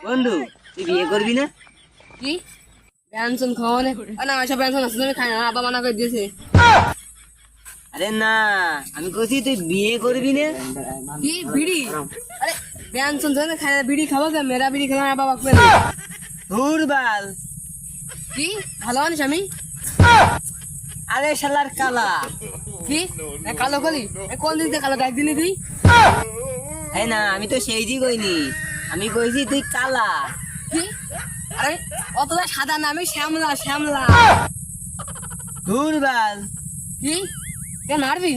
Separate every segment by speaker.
Speaker 1: বন্ধু তুই বিয়ে করবি না?
Speaker 2: কি ব্যঞ্জন খাওয়া না এসব ব্যঞ্জন আছে তুমি খাই না আব্বা মানা করে দিয়েছে।
Speaker 1: আরে না, আমি কইছি তুই বিয়ে করবি না।
Speaker 2: কি বিড়ি? আরে ব্যঞ্জন জানে খাই না বিড়ি খাবো কে? মেরা বিড়ি খেলাম আব্বা বাকবে না।
Speaker 1: ধুর বাল।
Speaker 2: কি ভালো আনিস আমি?
Speaker 1: আরে শালার কালা।
Speaker 2: কি কালো কলি কোন দিন কালো দেখ দিনই তুই?
Speaker 1: হ্যাঁ না, আমি তো সেই জি কইনি, আমি কইছি তুই কালা।
Speaker 2: কি আরে অতটা সাদা না, আমি শ্যামলা শ্যামলা।
Speaker 1: ধুর বাল।
Speaker 2: কি কে মারবি?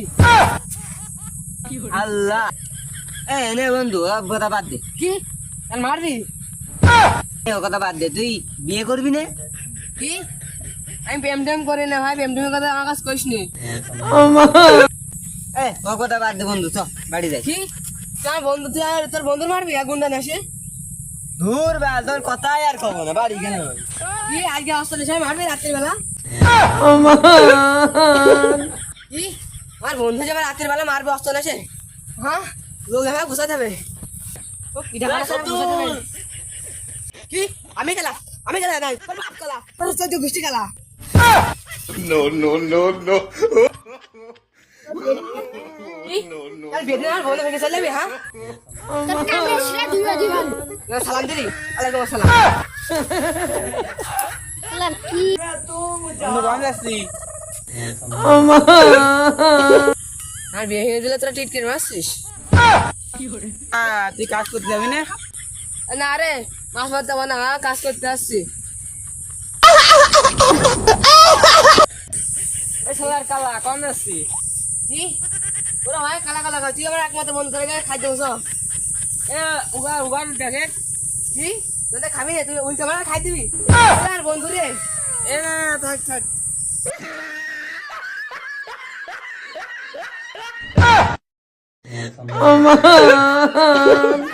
Speaker 1: আল্লাহ। এ নে বন্ধু, ও কথা বাদ দে।
Speaker 2: কি কেন মারবি?
Speaker 1: ও কথা বাদ দে, তুই বিয়ে করবি না?
Speaker 2: কি আমি প্রেম টেম করি না ভাই, প্রেম টেমের কথা আমার কাছে কইস নি।
Speaker 1: এ ও কথা বাদ দে বন্ধু, চ বাড়ি যাই।
Speaker 2: কি তোর বন্ধু, তুই আর তোর বন্ধুর মারবি গুন্ডা না সে?
Speaker 1: ধুর বাল, তোর কথাই আর কব না, বাড়ি গেল।
Speaker 2: কি আজকে হসপিটালে সবাই মারবি রাত্রির বেলা? কি আমার বন্ধু যাবে রাত্রির বেলা মারবে হসপিটালে সে? হ্যাঁ লোক হ্যাঁ ঘুষাতে হবে। ও পিঠা খাওয়া সব ঘুষাতে হবে। কি আমি খেলা? আমি খেলা নাই, তোর বাপ খেলা, তোর চোদ্দ গোষ্ঠী খেলা।
Speaker 3: No, no, no, no.
Speaker 2: কি আর বেদনা আর বলে ভেঙে চলে যাবি? হ্যাঁ সালাম দিলি? আলাইকুম আসসালাম। আর বিয়ে হয়ে দিলে তোরা টিটকের মারছিস?
Speaker 1: তুই কাজ করতে যাবি না?
Speaker 2: না রে মাছ মারতে হবে না, কাজ করতে আসছি।
Speaker 1: শালার কালা কম আসছি।
Speaker 2: কি ওরা ভাই কালা কালা খাই, তুই আমার একমাত্র বন্ধু করে খাই দেবো সব।
Speaker 1: এ উগার উগার দেখে।
Speaker 2: কি তোদের খাবি না, তুই উল্টা মারা খাই দিবি আর বন্ধু রে?
Speaker 1: এ না থাক থাক।
Speaker 4: Oh my